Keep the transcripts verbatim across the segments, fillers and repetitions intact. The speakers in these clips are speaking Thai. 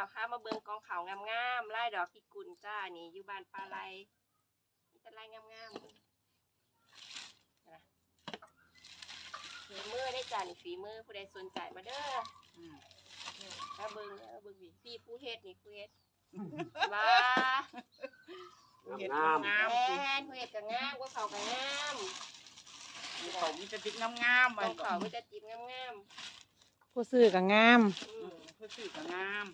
ค่ะมาเบิ่งกองเขางามๆไล่ดอกพิกุลจ้านี่อยู่บ้านปลาไหลนี่แต่ไล่งามๆนะฝีมือได้จ้านี่ฝีมือผู้ใดสนใจมาเด้อถ้าเบิ่งเด้อเบิ่งพี่ผู้เฮ็ดนี่ผู้เฮ็ดว้างามงามแม่นผู้เฮ็ดก็งามก็เขาก็งามเขามีแต่ติ๊กงามๆมันเขามีแต่ติ๊กงามๆผู้ซื้อก็งามผู้ซื้อก็งาม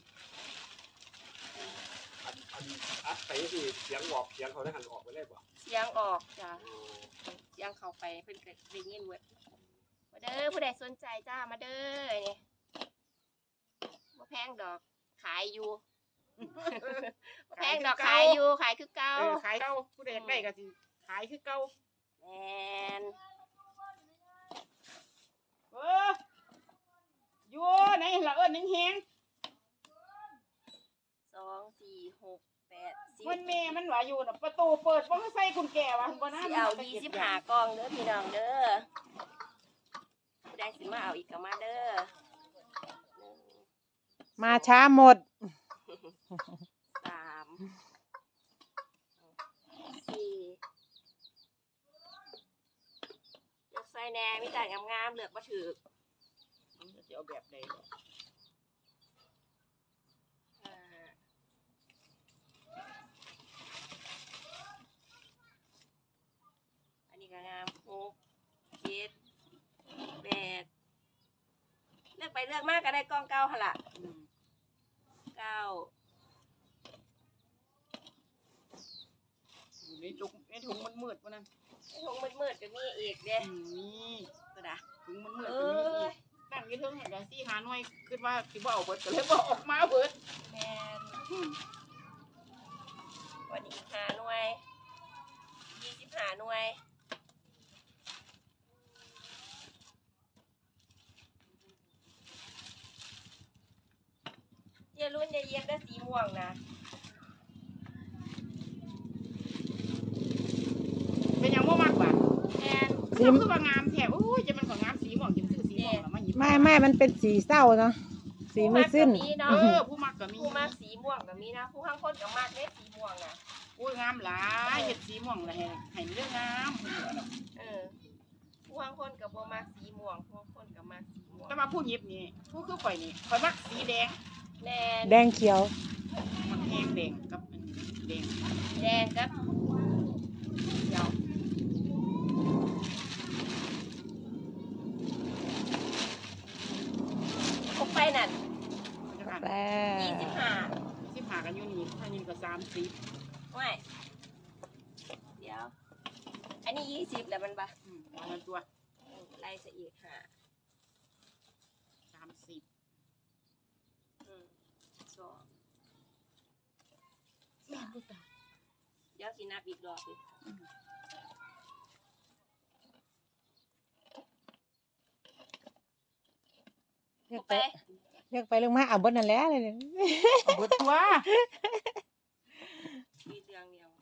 อันอันอัดไปสิเสียงออกเสียงเขาได้หันออกไปได้ป่ะเสียงออกจ้ะเสียงเข้าไปเพิ่นก็ได้ยินเว้ยมาเด้อผู้ใดสนใจจ้ามาเด้อนี่บ่แพงดอกขายอยู่บ่แพงดอกขายอยู่ขายคือเก่าขายเก่าผู้ใดอยากได้ก็สิขายคือเก่าแม่นเอออยู่ไหนละเอิ้นแฮงสองสี่หกแปดสิบมันแม่มันว่าอยู่น่ะประตูเปิดบ่ใส่กุญแจว่าบ่นะสิเอายี่สิบห้ากล่องเด้อพี่น้องเด้อผู้ใดสิมาเอาอีกก็มาเด้อมาช้าหมดสามสี่เลือกใส่แหน่มีแต่งามๆเลือกบ่ถูกจะเอาแบบใดอันนี้ก็งามหกเจ็ดแปดเลือกไปเลือกมากก็ได้กล้องเก้าหั่นล่ะเก้าอยู่ในถุงในถุงมันมืดวะนั่นในถุงมืดๆก็มีอีกเด้นี่ก็ได้ถุงมันมืดก็มีอีกตั้งยี่เทิงเห็นแล้วสี่หาหน่วยคิดว่าสิบ่เอาเบิดก็เลยบ่ออกมาเบิดแม่นวันนี้หาหน่วยยี่สิบห้าหน่วยเยรุ่นเย็นๆได้สีม่วงนะเป็นยังบ่มากกว่าแม่นคือคืองามแท้โอ้ยจะมันของงามสีม่วงจังซื้อสีม่วงแล้วมาหยิบไม่ไม่มันเป็นสีเศร้าเนาะสีมืดสิ้นเออผู้มักก็มีผู้มักสีม่วงก็มีนะผู้ข้างคนก็มักเด้สีม่วงน่ะโอ้ยงามหลายเฮ็ดสีม่วงแล้วให้ให้เรื่องงามเออผู้ข้างคนก็บ่มักสีม่วงผู้ข้างคนก็มักสีม่วงแต่มาผู้หยิบนี่ผู้คือข่อยนี่ข่อยมักสีแดงแดงแดงเขียวมันแห้งแดงกับแดงแดงกับเขียวครบไปนั่นยี่สิบห้าสิบห้ากันอยู่นี่ถ้ายินก็สามสิบไม่เดี๋ยวอันนี้ยี่สิบแล้วมันปะมันตัวไล่ซะอีกห้าสามสิบสองเดี๋ยวสินับอีกรอบดิเลือกไปเลือกไปเรื่องมาเอาบดนั่นแหละเลยเอาบดตัวมีเตียงเดียว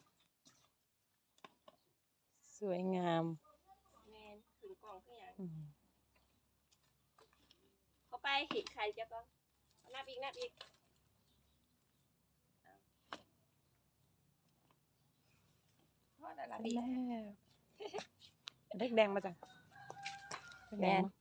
สวยงามแม่นขึ้นกล่องขึ้นอย่างเข้าไปเห็นใครจะก็นับอีกนับอีกเล็กแดงมาจ้ะแม่